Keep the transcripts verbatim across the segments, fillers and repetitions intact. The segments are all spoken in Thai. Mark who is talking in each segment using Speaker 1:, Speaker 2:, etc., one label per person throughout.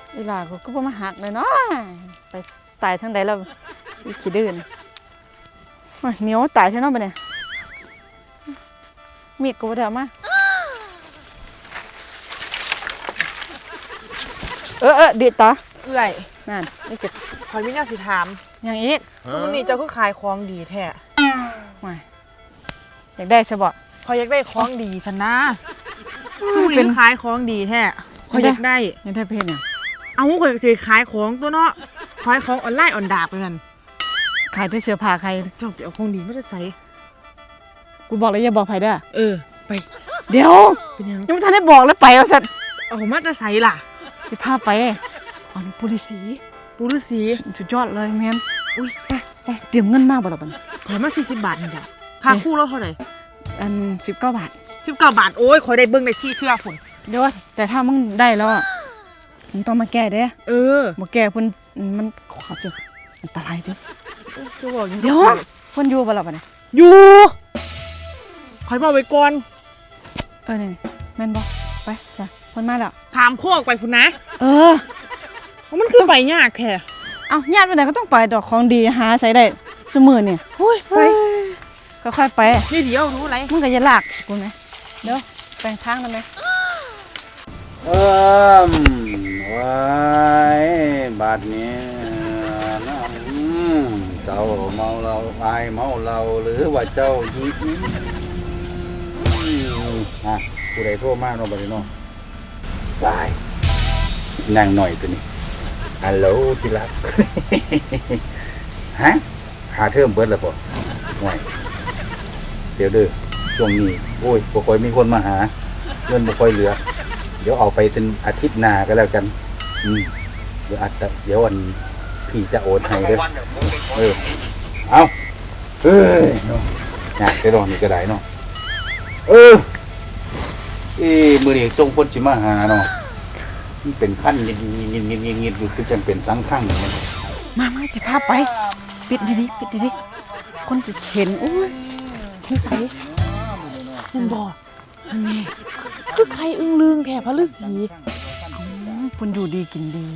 Speaker 1: อีหลาก็ก็บ่มาหักเลยเนาะไปตายทางใดแล้วอีขี้ดื้อนี่โอ้ยเหนียวตายแท้เนาะบัดนี้มีดก็บ่ได้เอามาเออเออดีดต่อ
Speaker 2: เอื่อย
Speaker 1: นั่นนี่เก็บ
Speaker 2: คอยมีแนวสิถาม
Speaker 1: อย่างอีก
Speaker 2: สมมุตินี้เจ้าคือขายของดีแท้
Speaker 1: ไม่อยากได้ใช่บ่
Speaker 2: คอยอยากได้ของดีสันนะ
Speaker 1: เป็
Speaker 2: เป็น นขายของดีแท้คอยอยากได้
Speaker 1: อยากได้เพศเนี่ย
Speaker 2: เอาคอยสิขายของตัวเนาะขายของออนไลน์ออนดาบไปนั่น
Speaker 1: ขายด้วยเสื้อผ้าใคร
Speaker 2: เจ้าไปเอาของดีไม่ได้ใส่
Speaker 1: กูบอกแล้วอย่าบอกใครเด้อ
Speaker 2: เออไป
Speaker 1: เดี๋ยว
Speaker 2: เป็นยัง
Speaker 1: ยังไม่ทันได้บอกแล้วไปเอาสัตว์
Speaker 2: เอามาจะใส่ล่ะ
Speaker 1: จะพาไปเอาปุริสี
Speaker 2: ปูฤาษี
Speaker 1: สุดยอดเลยแมน
Speaker 2: อุ้ยไปไป
Speaker 1: เตรียมเงินมากบ่ล่ะบัด
Speaker 2: ขายมาสี่สิบบาทนี่จ้ะค่าคู่แล้วเท่าไหร่
Speaker 1: อันสิบเก้าบาท
Speaker 2: สิบเก้าบาทโอ้ยคอยได้เบิ้งได้ที่เชื่อผล
Speaker 1: เดี๋ยวแต่ถ้ามึงได้แล้วอ่ะมึงต้องมาแก้เด้
Speaker 2: เออ
Speaker 1: มาแก้เพิ่นมันขอเจออันตรายเด้อ
Speaker 2: จะบอกยัง
Speaker 1: เดี๋ยวเพิ่นอยู่บ่ล่ะบัดนี้
Speaker 2: อยู่คอยบอกไว้ก่อน
Speaker 1: เออนี่แม่นบ่ไปจ้ะเพิ่นมาแล้ว
Speaker 2: ถามโคกไปคุณนะ
Speaker 1: เออ
Speaker 2: ว่ามันคือไปยากแค่
Speaker 1: เอ้าญาติไปไหนก็ต้องไปดอกของดีหาใส่ได้ซุมื้อนี่
Speaker 2: โอ้ยไป
Speaker 1: ค่อยๆไป
Speaker 2: นี่เดี๋ยวรู้อะไร
Speaker 1: มึงก็อย่าลากกูไหมเดี๋ยวแปลงทางได้ไหม
Speaker 3: เอิมไว้บาดนี้นะอืมเจ้าเมาเราอายเมาเราหรือว่าเจ้ายิงอ่ะผู้ใดโทรมาเนาะบัดนี้เนาะบายนั่งหน่อยตัวนี้ฮัลโหลที่รัก ฮะหาเทอมเบิดแล้วป่ะห่วยเดี๋ยวเด้อช่วงนี้โอ้ยบ่ค่อยมีคนมาหาเงินบ่ค่อยเหลือเดี๋ยวเอาไปเป็นอาทิตย์หน้าก็แล้วกัน อืมเดี๋ยวอาจจะเดี๋ยววันพี่จะโอนให้เด้อเออ เอาเอ้ยเนาะอยากไปรอนี่ก็ได้เนาะ เออเอ้มือนี้ส่งคนสิมาหาเนาะมันเป็นขั้นยินยินยินยินยินยินอยู่คือจังเป็นสังขังอย่างนี้
Speaker 1: มามาจะพาไป ปิดดีๆปิดดีๆคนจะเห็นโอ้ยนิสัย
Speaker 2: ฉันบอก
Speaker 1: อันนี้
Speaker 2: คือใครอึ้งลึงแค่พระฤาษี
Speaker 1: อืมคนอยู่ดีกินดี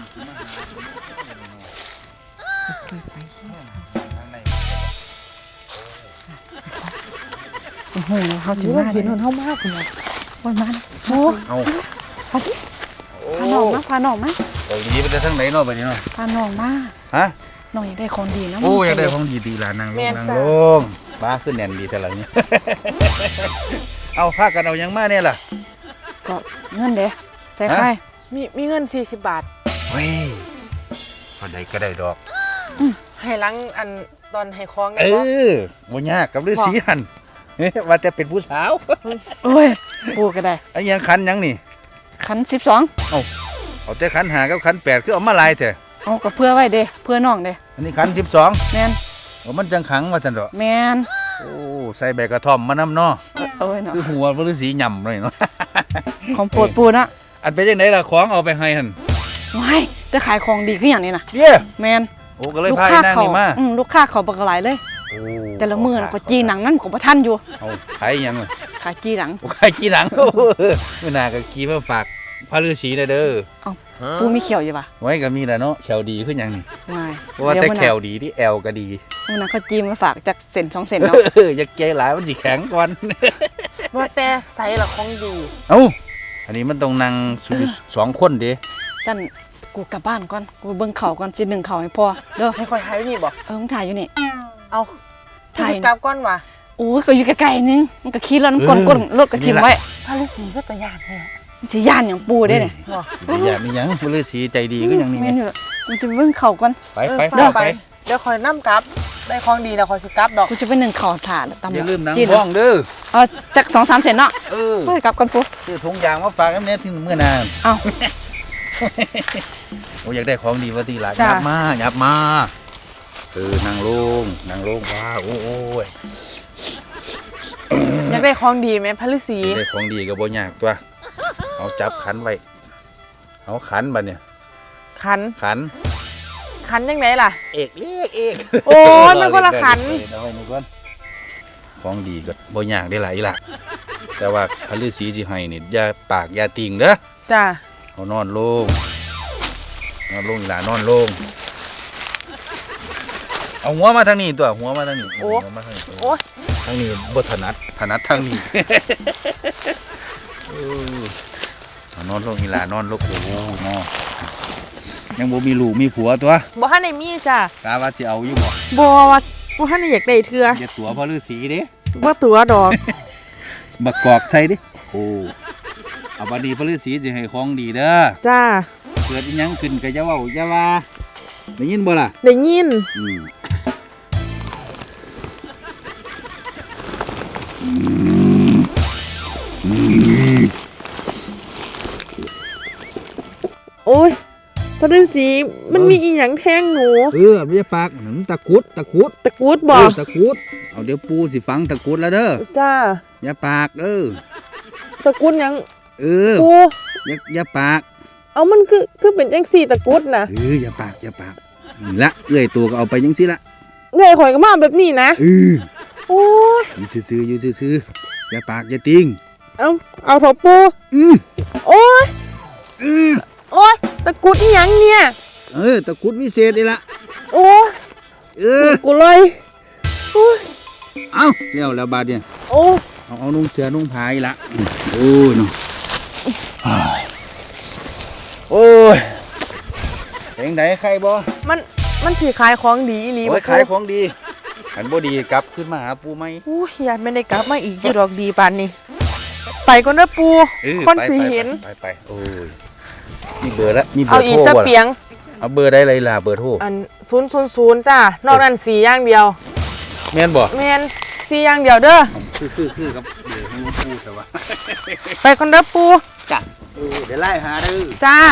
Speaker 1: โอ้โหเขา
Speaker 2: ถื
Speaker 1: ถึ
Speaker 2: อง ว่า
Speaker 1: มา
Speaker 2: เห็น
Speaker 1: เล
Speaker 2: มั
Speaker 1: ย
Speaker 2: นเท่ามากคุณนะ
Speaker 1: วันมันโอ้
Speaker 3: เอา
Speaker 1: พาที่พาน้องมาพาน้องมา
Speaker 3: เกาหลีไปแต่ทั้งไหนเนาะไปนี่เนาะ
Speaker 1: พาน้องมา
Speaker 3: ฮะ
Speaker 1: น้องอยากได้ของดีนะ
Speaker 3: โอ้อยากได้ของดีๆล่ะนางลงนางลงบ้าขึ้นแน่นดีแต่ละนี้ เอาพากันเอายังมาเนี่ยล่ะ
Speaker 1: ก็เงินเด้ใส่ไข่
Speaker 2: มีมีเงินสี่สิบบาท
Speaker 3: เฮ้ยพอได้ก็ได้ดอก
Speaker 2: ให้หลังอันตอนให้คล้อง
Speaker 3: เอ
Speaker 2: ได้บ่
Speaker 3: อบ่ยากกับฤาษีหัน เฮ้ยว่าแต่เป็นผู้สาว
Speaker 1: โอ้ยปูก็ได้
Speaker 3: ไอ้ยังคันยังนี่
Speaker 1: ขันสิบสอง
Speaker 3: เอาแต่คันหากับคันแปดคือเอามาลายเถอะ
Speaker 1: เอาก็เพื่อไว้เด้เพื่อน้องเด้
Speaker 3: อันนี้คันสิบสอง
Speaker 1: แมน
Speaker 3: โอ้มันจังขังว่าซั่นดอก
Speaker 1: แมน
Speaker 3: โอ้ใส่ใบกระท่อมมานำเนาะ
Speaker 1: เอ้ยเนาะ
Speaker 3: คือหัวฤาษีหย่ำเลยเนาะ
Speaker 1: ของโปรดปูนะ
Speaker 3: อันเป็นจังไดล่ะของเอาไปให้หั่น
Speaker 1: ว้ายจะขายของดีขึ้นอย่างนี้นะ
Speaker 3: เย้
Speaker 1: แมน
Speaker 3: โอ้ก็เลย
Speaker 1: ลูก
Speaker 3: พา
Speaker 1: ค้า
Speaker 3: ไอ้นาง
Speaker 1: เขา
Speaker 3: นี่มา
Speaker 1: อืมลูกค้าเขาบักหลายเลย
Speaker 3: โอ้
Speaker 1: แต่ละมือนะเขาจีหนังนั่นของพระท่านอยู่
Speaker 3: เอาขายหยังล่ะ
Speaker 1: ขายจีหนัง
Speaker 3: โอ้ขายกี่หนัง มื้อหน้าก็กี่เพื่อฝากพระฤาษีเด้อเด้อ
Speaker 1: ปูมีเขียวอยู่ปะ
Speaker 3: ไว้ก็มีแหละเนาะแขวดีขึ้นหยังนี่
Speaker 1: ว้าย
Speaker 3: เพราะว่าแต่แขวดีที่แอลก็ดี
Speaker 1: มื่อนั้นเขาจีมาฝากจากเซนสองเซนเนาะ
Speaker 3: เอออย่าแก่หลายมันสิแข็งก่อน
Speaker 2: ว่าแต่ใส่ละของดี
Speaker 3: เอ้าอันนี้มันต้องนั่งอยู่สองคนเด้
Speaker 1: จันกูกลับบ้านก่อนกูเบิ่งเขาก่อนจีหนึ่งเขาให้พ่อเด้อ
Speaker 2: ให้คอยถ่ายไว้นี่บ่
Speaker 1: เออมึงถ่ายอยู่นี่
Speaker 2: เอา
Speaker 1: ถ่าย
Speaker 2: ถ่ายกลับก้อนว่ะ
Speaker 1: โอ้ยก็อยู่ใกล้ๆนึงมันก็ขี่รถน้ำก้นก้นรถก็ทิ่มไว้
Speaker 2: พระฤาษีก็ตะยานแท้
Speaker 1: มันสิย่านอย่างปูได้เนี่ย
Speaker 2: บ่
Speaker 3: สิอย่ามีหยังบ่ฤาษีใจดีก็ยังนี่
Speaker 1: แม่
Speaker 3: แม่
Speaker 1: นอยู่มันจะเบิ่งเขาก่อน
Speaker 3: ไป
Speaker 2: เออ
Speaker 3: ไป
Speaker 2: ฝาก
Speaker 3: ไป
Speaker 2: ไปเดี๋ยวคอยนำกลับ ได้ของดีแล้วคอยสิกลับดอก
Speaker 1: กูจะไปหนึ่งเขาถ่านตำ
Speaker 3: อย่าลืมนั่ง
Speaker 1: จีน
Speaker 3: ห้องเด้อ
Speaker 1: เออจากสองสามเซนเนาะ
Speaker 3: เออ
Speaker 1: ไปกลับกันปู
Speaker 3: ซื้อถุงยางมาฝากกันแน่ที่มื้อหน้า
Speaker 1: เอา
Speaker 3: โอ้อยากได้ของดีว่าติล่ะ
Speaker 1: จ้ะ
Speaker 3: ยับมายับมาเออนั่งลงนั่งลงว้าโอ้ย
Speaker 2: อยากได้ของดีไหมพระฤาษี
Speaker 3: ได้ของดีก็บ่ยากตัวเอาจับขันไว้เอาขันบัดเนี่ย
Speaker 2: ขัน
Speaker 3: ขัน
Speaker 2: ขันยังไงล่ะ
Speaker 3: เอกเรียกเอก
Speaker 2: โอ้ยมันคนละขัน
Speaker 3: เอาไว้นี่ก่อนของดีก็บ่ยากได้หลายล่ะ แต่ว่าพระฤาษีสิให้นี่อย่าปากอย่าติ่งเด้อ
Speaker 2: จ้า
Speaker 3: เอานอนลงนอนลงอีหลานอนลงเอาหัวมาทางนี้ตัวหัวมาทางนี้หัวมาทางนี้
Speaker 2: โอ้ย
Speaker 3: ทางนี้บ่ถนัดถนัดทางนี้ เออเอานอนลงอีหลานอนลงโอ้โหนอนยังบ่มีลูกมีผัวตัว
Speaker 2: บ่ทันได้มีจ้ะ
Speaker 3: กาว่าสิเอาอยู่บ่
Speaker 2: บ่ว่าบ่ทันได้อยากได้เทื่อ
Speaker 3: อย่าตัวพ่อฤาษีเด้
Speaker 2: บ่ตัวดอก
Speaker 3: บักกอกใส่ดิโอ้เอาบัดนี้พ่อฤาษีสิให้ของดีเด้อ
Speaker 2: จ้า
Speaker 3: เกิดอีหยังขึ้นก็อย่าเว้าอย่าว่าได้ยินบ่ล่ะ
Speaker 2: ได้ยิน
Speaker 3: อืม
Speaker 2: โอ้ยพระฤาษีมันมีอีหยังแทงหนู
Speaker 3: เออไม่ใช่ปากหนังตะกุดตะกุด
Speaker 2: ตะกรุดบ่
Speaker 3: เออตะกุดเอาเดี๋ยวปูสิฟังตะกุดแล้วเด้อ
Speaker 2: จ้า
Speaker 3: อย่าปากเด้อ
Speaker 2: ตะกรุดหยัง
Speaker 3: เออ
Speaker 2: ปู
Speaker 3: อย่าอย่าปาก
Speaker 2: เอามันคือคือเป็นจังสี่ตะกรุดน่ะ
Speaker 3: เอออย่าปากอย่าปากนี่ละเอื้อยตัวก็เอาไปจังซี่ละ
Speaker 2: เงยข่อยก็มาแบบนี้นะ
Speaker 3: เออ
Speaker 2: โอ้ย
Speaker 3: อยู่ซื่อๆอยู่ซื่อๆอย่าปากอย่าติง
Speaker 2: เอาเอาเถอะปู
Speaker 3: อือ
Speaker 2: โอ้ย
Speaker 3: อือ
Speaker 2: โอ้ยตะกรุดอีหยังเนี่ย
Speaker 3: เออตะกุดวิเศษนี่ละ
Speaker 2: โอ้ย
Speaker 3: เออ
Speaker 2: กูเลยโอ้ย
Speaker 3: เอาแล้วแล้วบาดเนี่ย
Speaker 2: โอ้ย
Speaker 3: เอาเอานุ่งเสือนุ่งผ้าอีละโอ้ยเนาะโอ้ยเพลงไหนใครบ่
Speaker 2: มันมันสิขายของดีอีหลี
Speaker 3: โอ้
Speaker 2: บ่
Speaker 3: ยขายของดีขันบ่ดีกลับขึ้นมาหาปูไหม
Speaker 2: โอ้ยอยากไม่ได้กลับมาอีกอยู่ดอกดีปานนี้ไปก่อนเด้อปู
Speaker 3: เออ
Speaker 2: คน
Speaker 3: ไป
Speaker 2: สิ
Speaker 3: ไป
Speaker 2: เห็น
Speaker 3: ไปไปโอ้ยมีเบอร์ละมีเบอ
Speaker 2: เอา
Speaker 3: ร์
Speaker 2: อี
Speaker 3: โท
Speaker 2: ก
Speaker 3: ร
Speaker 2: สัก
Speaker 3: บ่
Speaker 2: เปีย
Speaker 3: ล่ะ
Speaker 2: ง
Speaker 3: เอาเบอร์ได้เลยล่ะเบอร์โทร
Speaker 2: อันศูนย์ศูนย์ศูนย์จ้านอกนั้นสีอย่างเดียว
Speaker 3: แม่นบ่
Speaker 2: แมนสีอย่างเดียวเด้อ
Speaker 3: คือคือคือกับเบอร์ของปูแต่ว่า
Speaker 2: ไปคนเด้อปู
Speaker 3: จ้ะเออเดี๋ยวไล่หาเด้อ
Speaker 2: จ้า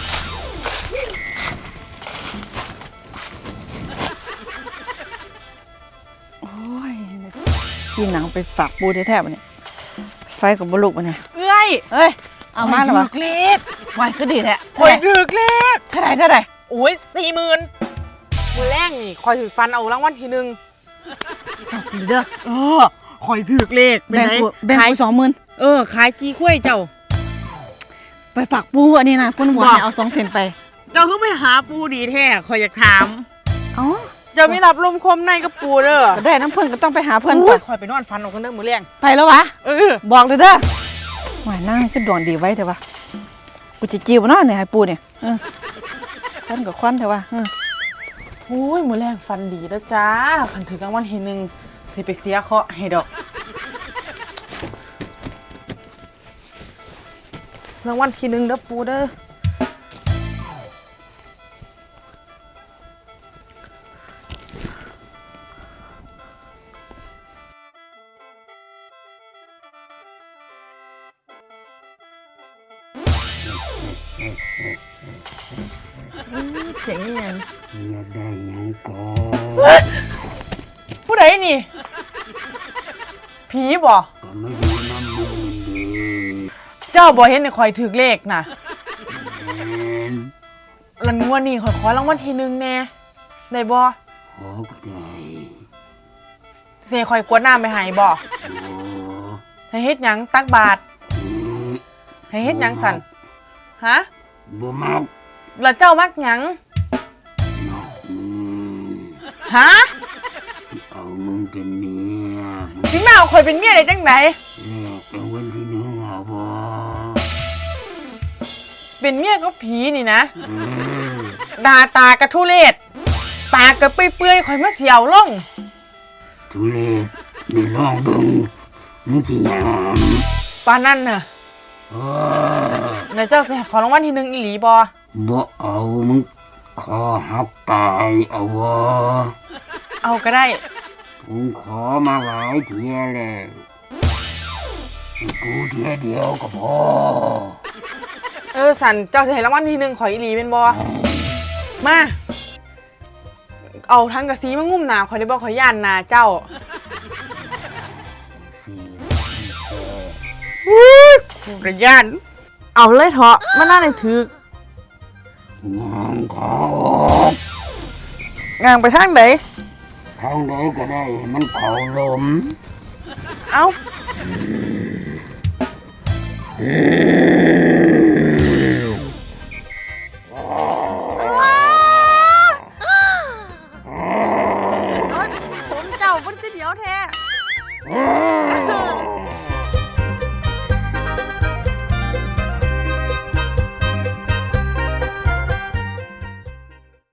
Speaker 1: โอ้ยกินหนังไปฝากปูแท้ๆบ่เนี่ยไฟกับบลุกบ่เนี่ย
Speaker 2: เอ้ย
Speaker 1: เฮ้ยเอามาแล้ว
Speaker 2: ข่
Speaker 1: วะ
Speaker 2: อยถือเลข
Speaker 1: ไว้ก็ดีแท้
Speaker 2: ข่อยถือเลข
Speaker 1: เท่าไหร่เท่าไหร่
Speaker 2: โอ้ยสี่หมื่นมือแรกนี่ข่อยถือฟันเอารางวัลทีหนึ่ง
Speaker 1: ดีเด้อ
Speaker 2: เออข่อยถือเลข
Speaker 1: แบ่ง
Speaker 2: ไ
Speaker 1: กูแบ่ง
Speaker 2: ขาย
Speaker 1: กูสองหมื่น
Speaker 2: เออขายกี่กล้วยเจ้า
Speaker 1: ไปฝากปูอันนี้นะเพิ่นบอก
Speaker 2: บอก
Speaker 1: ให้เอาสองเซนไป
Speaker 2: เจ้าคือไปหาปูดีแท้ข่อยอยากถาม
Speaker 1: เอ้า
Speaker 2: เจ้ามีรับลมคมในกับปูเด้อ
Speaker 1: ก็ได้น้ำเพิ่นก็ต้องไปหาเพิ่น
Speaker 2: โอ้
Speaker 1: ไป
Speaker 2: ยข่อยไปนอนฟันเอาคนเด้อมือแรง
Speaker 1: ไปแล้ววะ
Speaker 2: เออ
Speaker 1: บอกเลยเด้อหวายนั่งก็ดวงดีไว้เถอะวะกูจะจิ้วเนาะเนี่ยให้ปูเนี่ยเออควันกับควันเถอะวะเออ
Speaker 2: โอ้ยมือแรงฟันดีแล้วจ้าขันถือกลางวันทีหนึ่งสิไปเสียเคาะให้ดอกรางวัลทีหนึ่งเด้อปูเด้อ เสียงนี่ยัง
Speaker 3: อยากได้หยังก่อ
Speaker 2: ผู้ใดนี่ ผีบ่
Speaker 3: ก็ไม่อยู่น้ำมือดี
Speaker 2: เจ้าบ่เห็นในคอยถือเลขน่ะ
Speaker 3: แม่น
Speaker 2: ลันงวดนี้คอยขอรางวัลทีหนึ่งแน่ได้บ่
Speaker 3: ขอก็ได้
Speaker 2: เสียคอยกวดน้ำไปใหายบ่
Speaker 3: โอ้
Speaker 2: ให้เฮ็ดหยังตักบาท
Speaker 3: ย
Speaker 2: ให้เฮ็ดหยังสั่นฮะ
Speaker 3: บ่มัก
Speaker 2: แล้วเจ้ามักหยัง
Speaker 3: มักมึง
Speaker 2: ฮะ
Speaker 3: เอามึงเป็นเมีย
Speaker 2: สิมาเอาคอยเป็นเมียได้จังได
Speaker 3: แลกเป็นวันที่หนึ่งเอาบ่
Speaker 2: เป็นเมียก็ผีนี่นะ
Speaker 3: เออ
Speaker 2: ดาตากระทุเรศตากระเปื่อยๆคอยมาเสียวลง
Speaker 3: ทุเรศนี่ลองเบิ่งมึงสิหยัง
Speaker 2: ปานนั่นน่ะ
Speaker 3: เออ
Speaker 2: แล้วเจ้าสิขอรางวัลทีหนึ่งอีหลีบ่
Speaker 3: บ่เอามึงขอหักตายเอาบ่
Speaker 2: เอาก็ได้
Speaker 3: มึงขอมาหลายเที่ยแล้วกูเที่ยเดียวก็พอ
Speaker 2: เออสันเจ้าสิให้รางวัลทีหนึ่งขออีหลีเป็นบ่มา เอาทั้งกระซีมางุ่มหนาขอยได้บ่ขอยย่านหนาเจ้า
Speaker 3: สี่
Speaker 2: กูกระย่าน เอาเลยเถอะมาหน้าในถือก
Speaker 3: งานเขา
Speaker 2: งางไปทางไหน
Speaker 3: ทางใดก็ได้ให้มันเขาลม
Speaker 2: เอา
Speaker 3: เออ